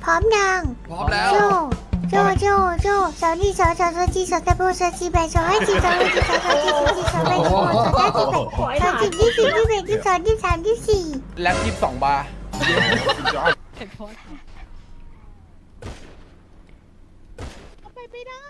ร้อมยังพร้อมแล้วโจโจสาวนี่สาวจีสาวตะโบสาวจีแบสาวให้จีสาวให้จีสาวจีสาวจีสาวแบสาวสาวจีแบสาวจีที่สี่ที่แบที่สองที่สามที่สี่แล็บ22 บาร์ไปไม่ได้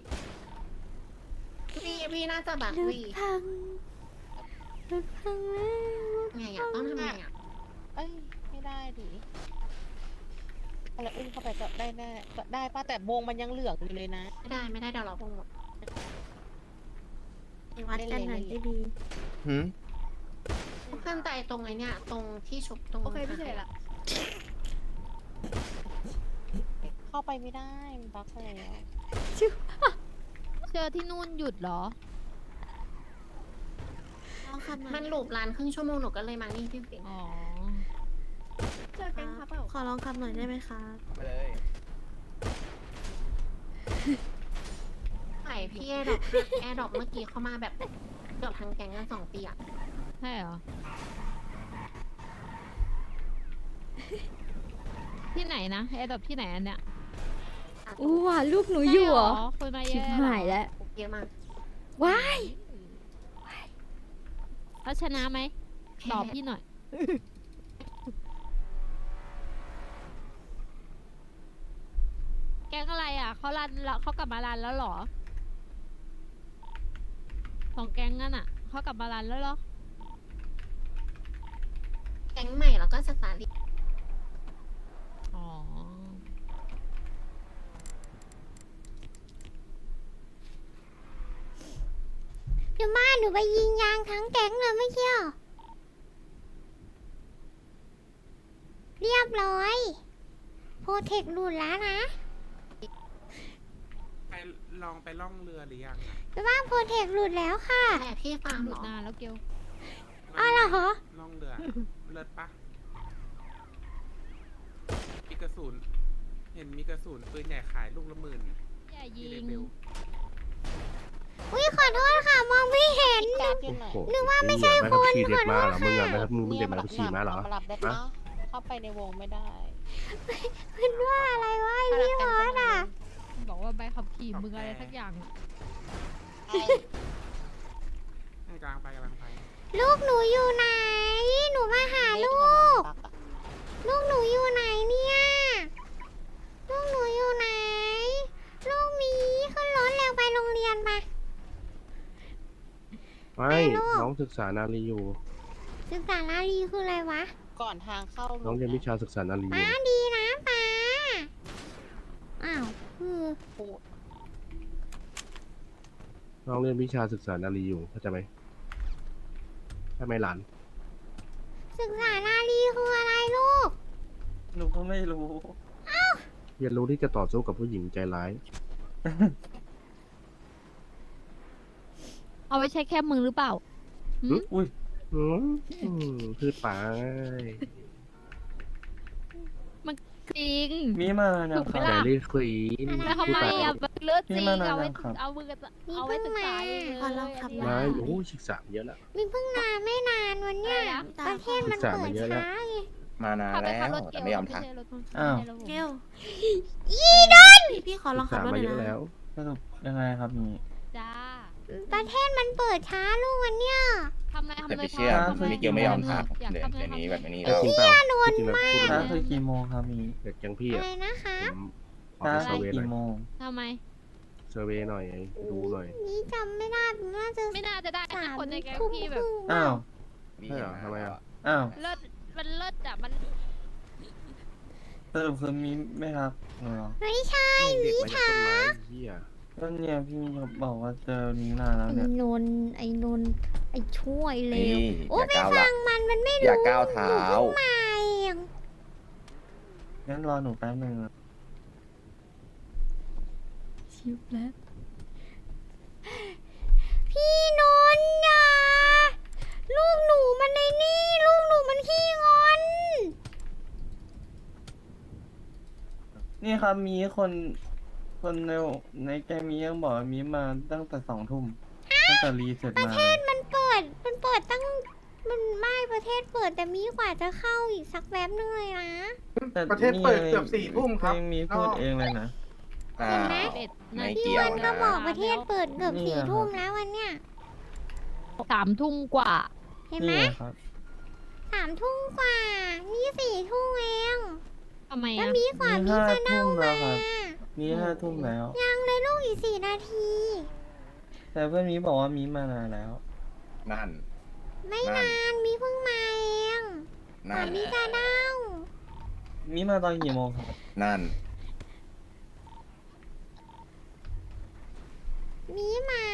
พี่น่าจะแบบรถวีพังแล้วไงอ่ะต้องทำไงอ่ะเอ้ยไม่ได้ดิอะไรอุ้มเข้าไปก็ได้แน่ก็ได้ป้าแต่วงมันยังเหลืองอยู่เลยนะไม่ได้เดี๋ยวเราคงหมดวัดกันหน่อยดีหืมขึ้นใจตรงไอ้เนี่ยตรงที่ชุบตรงโอเคพี่เฉยละเข้าไปไม่ได้มันบั๊กไปแล้วเจอที่นู่นหยุดเหรอมันหลูบร้านครึ่งชั่วโมงหนูก็เลยมานี่พี่ฟิงอ๋อเจอแก๊งครับเปล่าขอลองคำหน่อยได้ไหมคะไปเลยไข่พี่แอร์ดรอปเมื่อกี้เข้ามาแบบเกือบทั้งแก๊งกัน2 ปีอ่ะใช่เหรอ ที่ไหนนะแอร์ดรอปที่ไหนอันเนี้ยอู้ว่ะลูกหนูอยู่เหรอคุยมาเยชิบอะหายแล้วเยอะมากว้ายแล้วชนะไหมตอบพี่หน่อย แกงอะไรอ่ะเขารันแล้วเขากลับมารันแล้วเหรอสองแกงนั่นอ่ะเขากลับมารันแล้วเหรอแก๊งใหม่แล้วก็สตาร์ทอ๋อเดี๋ยวมาหนูไปยิงยางทั้งแก๊งเลยไม่เชี่ยวเรียบร้อยโปรเทคหลุดแล้วนะไปลองไปล่องเรือหรือยังอะไปบ้านโปรเทคหลุดแล้วค่ะแต่พี่ฟาร์มหเหลุรดอนานแล้วเกลอ้าวเหรอล่องเรือ เลิศปะมีกระสุน เห็นมีกระสุนปืนใหญ่ขายลูกละ10,000 อย่ายิที่เลงเบลอุ้ยขอโทษค่ะมองไม่เห็นการอยู่ไหนนึกว่าไม่ใช่คนขี่เด็ดมาเหรอขอโทษค่ะมึงอ่ะไม่ครับมึงเด็ดมาแล้วขี่มาเหรอมารับได้ปะเข้าไปในวงไม่ได้มันว่าอะไรวะไอ้พี่ฮอสอ่ะบอกว่าใบขับขี่มึงอะไรสักอย่างให้กำลังไปกำลังไปลูกหนูอยู่ไหน หนูมาหาลูก ลูกหนูอยู่ไหนเนี่ย ลูกหนูอยู่ไหน ลูกหมีขึ้นรถแล้วไปโรงเรียนปะไม่ น้องศึกษานารีอยู่ศึกษาลาลีคืออะไรวะก่อนทางเข้าน้องเรียนวิชาศึกษานารีอป้ายู่ดีนะป้าอ้าวคือปูดน้องเรียนวิชาศึกษานารีอยู่เข้าใจไหมใช่ไหมหลานศึกษาลาลีคืออะไรลูกหนูก็ไม่รู้เรียนรู้ที่จะต่อสู้กับผู้หญิงใจร้ายเอาไว้ใช้แค่มือหรือเปล่าหืมอุ้ยพืชป่าจริงมีมานานยังถูกคไหมรับล่ะแต่รีคุยแล้วทำไมอ่ะมันเลือดจริงนี่มันอะไรเอาไว้ครับเอามือเอาไว้ศึกษาเองเลยขอลองขับอันมาเนี้ยโอ้ศึกษาเยอะแล้วมีเพิ่งนานไม่นานวันเนี้ยอะไรนะประเทศมันศึกษาเปิมาดเยอะแล้วช้าไงมานานขับไปแล้ขับวรถเกแต่ลไม่ยอมไม่ทักใช่รถอ้าวไม่ใช่รถผมเกล พี่ขอลศึองกขับษารถหมาน่อยเยอะนะแล้วสรุปยังไงครับนี่จ้าประเทศมันเปิดช้าลูกวันเนี้ยทำอะไรทำแต่อะไรไปเชื่อทำอะไรมิเกลไม่ยอมทักอยากเดี๋ยวทำอะไรเดี๋ยวนี้ทำแบอะไรบนี้แต่แล้วจริงเปล่าจริงๆแล้วพูดช้าเลยคือกี่โมงครับมีเด็กอย่างพี่อะอ่ะไรนะคะผมขอไปเซอร์เวย์หน่อยกี่โมงทำไมเซอร์เวย์หน่อยดูหน่อยนี่จำไม่ได้น่าจะไม่น่าจะได้สานะมคนในแก๊งทุ่มพี่คแบบรึ่งอ้าวมีใช่เหรอทำไมอ่ะอ้าวเลิศมันเลิศอ่ะมันสรุปคือมีไม่ครับหนูเหรอไม่ใช่เด็กมาจากต้นไม้เหี้ยก็เนี่ยพี่เขาบอกว่าเจอนี้นานแล้วไอ้เนี่ยนนท์ไอ้นนท์ไอ้ช่วยเลนี่วอโอ้ย่าไม่ก้าวฟัละงมันไม่อรู้ย่าก้าวเท้ามาเองงั้นรอหนูแป๊บนึงอะชิบแล้ว พี่นนท์อย่าลูกหนูมันในนี่ ลูกหนูมันขี้งอนนี่ครับมีคนในแกงมียังบอกว่ามีมาตั้งแต่2 ทุ่มตั้งแต่รีเสร็จมามันเปิดตั้งมันไม่ประเทศเปิดแต่มีกว่าจะเข้าอีกสักแป๊บนึงเลยนะแต่ประเทศเปิดเกือบ4 ทุ่มครับมีพูดเองเลยนะอ่า 11 ไม่นาทีเกี่ยวมันก็นะบอกประเทศเปิดเกือบนี่ 4 ทุ่มแล้ววันเนี้ย 3 ทุ่มกว่าเห็นไหมนี่ครับ 3 ทุ่มกว่า นี่4 ทุ่มเองทำไมแล้วอ่ะมีกว่านี่มี 5 จะเด้าทุ่มแล้มาวครับ นี่5 ทุ่มแล้วยังเลยลูกอีก4 นาทีแต่เพื่อนมีบอกว่ามีมานานแล้วนั่นไม่นานมีเพิ่งมาเองกนั่ว่าน มีจะเด้ามีมาตอนกี่โมงครับนั่นมีมา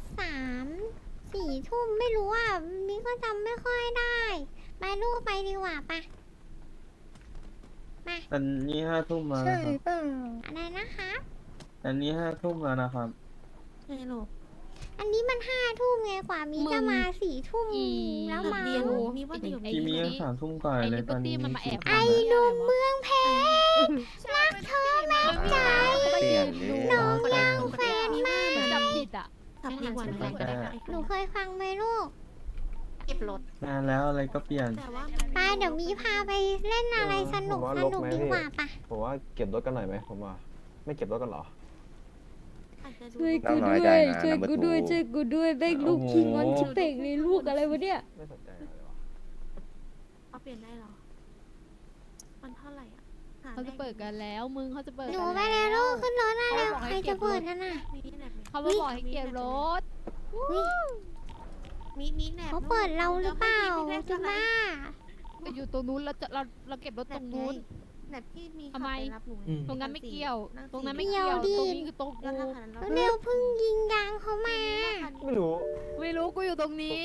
3-4 ทุ่มไม่รู้อ่ะมีก็จำไม่ค่อยได้ไปลูกไปดีกว่าปะมาแต่นี่5 ทุ่มแล้วนะครับอะไรนะคะแต่นี่5 ทุ่มแล้วนะครับใช่ลูกอันนี้มัน5 ทุ่มไงกว่ามีจะมา4 ทุ่มแล้วมาเรียนรู้มีว่าอยู่พี่มียัง3 ทุ่มกว่าเลยตอนนี้มันมาแอบไอ้หนุ่มเมืองเพชรรักเธอแม่ใจเปลี่ยนเลยน้องรักแฟนมากจำผิดอ่ะขับดีกว่าไม่นั้นได้หนูเคยฟังไหมลูกเก็บรถนานแล้วอะไรก็เปลี่ยนแต่ว่าไปเดี๋ยวมีพาไปเล่นอะไรสนุกสนุกดีกว่าปะผมว่าเก็บรถกันหน่อยไหมผมว่า ไม่เก็บรถกันหรออาจจะดูช่วยน้องกูน้อยด้ใจวยนะช่วยน้ำกูมันด้วยตูช่วยกูด้วยแม่งลูกคิงวันชิเป่งเลยลูกอะไรวะเนี่ยไม่สนใจอะไรวะเอาเปลี่ยนได้เหรอ มันเท่าไหร่อ่ะหเขาจะเปิดกันแล้ว มึงเขาจะเปิดหนูกันไปแล้วลูกขึ้นรถได้แล้วใครจะเปิดกันน่ะมีแหนบไหมเขามาบอกให้เก็บรถอุ๊ยมีแหนบเขาเปิดเราหรือเปล่าจุบ้าไปอยู่ตรงนู้นแล้วเราเก็บรถตรงนู้นแหนบที่มีทำไมขับปรับหนูตรงนั้นไม่เกี่ยวนั่ตรงนั้นสี่ไม่เกี่ยว ตรงนี้คือตรงแล้วกูถ้าคันนั้นแล้วเร็วเพิ่งยิงยางเขามาไม่รู้ไม่รู้กูอยู่ตรงนี้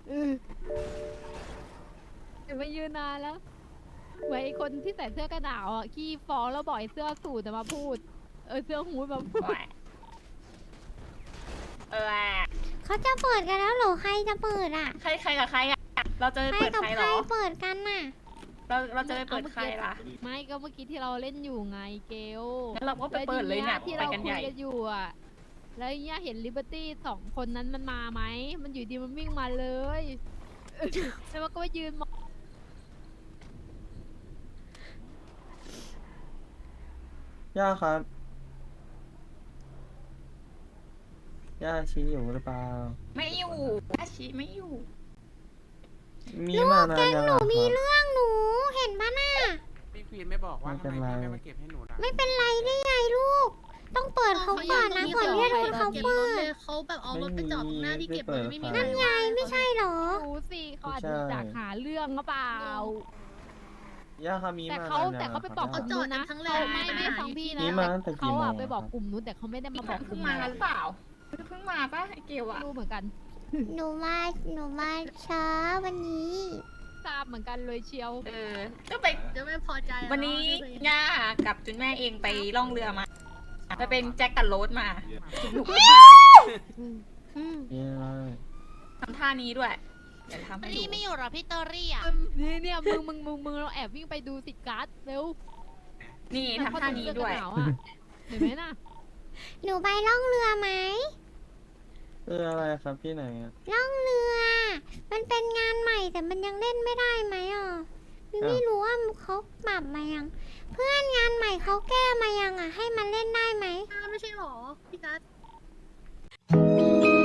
เดี๋ยวมายืนนานแล้วไว้ไอ้คนที่ใส่เสื้อกันหนาวอ่ะขี้ฟ้องแล้วบอกไอ้เสื้อสูทจะมาพูด เสื้อฮู้ดมาพูดเขาจะเปิดกันแล้วเหรอใครจะเปิดอ่ะใครกับใครอ่ะ เราจะไปใครเปิดกับใครใคเหรรอเปิดกันน่ะเราจะไปเปิดใครล่ะไม่ก็เมื่อกี้ที่เราเล่นอยู่ไงเกลงั้นเราก็ไปเปิดเลยเนี่ยแวทีไปเรากันคุใหยญ่กันอยู่อ่ะ แล้วเนี่ยเห็นลิเบอร์ตี้2 คนนั้นมันมาไหม มันอยู่ดีมันวิ่งมาเลย แล้วมันก็ไปยืนมองย่าครับ ย่าชี้อยู่หรือเปล่าไม่อยู่อาชีไม่อยู่มีมานานยังหนูอะมีครับเรื่องหนูเห็นปะน่ะพี่ควีนไม่บอกว่าไม่เป็ทำนไมไรพี่ไม่มาเก็บให้หนูล่ะไม่เป็นไรได้ไงลูก ต้องเปิดเขาก่อนนะก่อนที่จะโดนเขาเปิดเขาแบบเอารถไปจอดตรงหน้าที่เก็บไม่รถมีไม่มีไม่ใครเปิดยายไม่ใช่เหรอดูสิเขาอาจไม่จะใช่อยากหาเรื่องหรือเปล่าย่าครับมีแต่มานานเขายังแต่เขาไปะบอกคกรับลุ่มนู้นนะเขาจอดกันทั้งแหล่เขาไม่ฟังพี่นะนี่มาตั้งแต่กี่เขาโมงอะอะไปบอกกลุ่มนู้นแต่เขาไม่ได้มาบอกกเพิ่ลุ่งมมาเราหรือเปล่าเพิ่งมาปะไอเกลไม่อะรู้เหมือนกันหนูมาช้าวันนี้ทราบเหมือนกันเลยเชียวก็ไปจะไม่พอใจวันนี้ย่ากับจุนแม่เองไปล่องเรือมาไปเป็นแจ็คกับโรสมาสนุกมากนี่อะไรทำท่านี้ด้วย เดี๋ยวทำให้ดูไม่อยู่หรอพี่เตอรี่อ่ะเนี่ยมึงเราแอบวิ่งไปดูติดการ์ดเร็วนี่ทำท่านี้ด้วยเสื้อกันหนาวอะเห็นไหมน่ะหนูไปล่องเรือไหมอะไรครับที่ไหนอะล่องเรือ มันเป็นงานใหม่แต่มันยังเล่นไม่ได้ไหมอ่ะไม่รู้ว่าเขาปรับมายัง เพื่อนงานใหม่เขาแก้มายังอ่ะ ให้มันเล่นได้ไหมไม่ใช่หรอ พี่กัส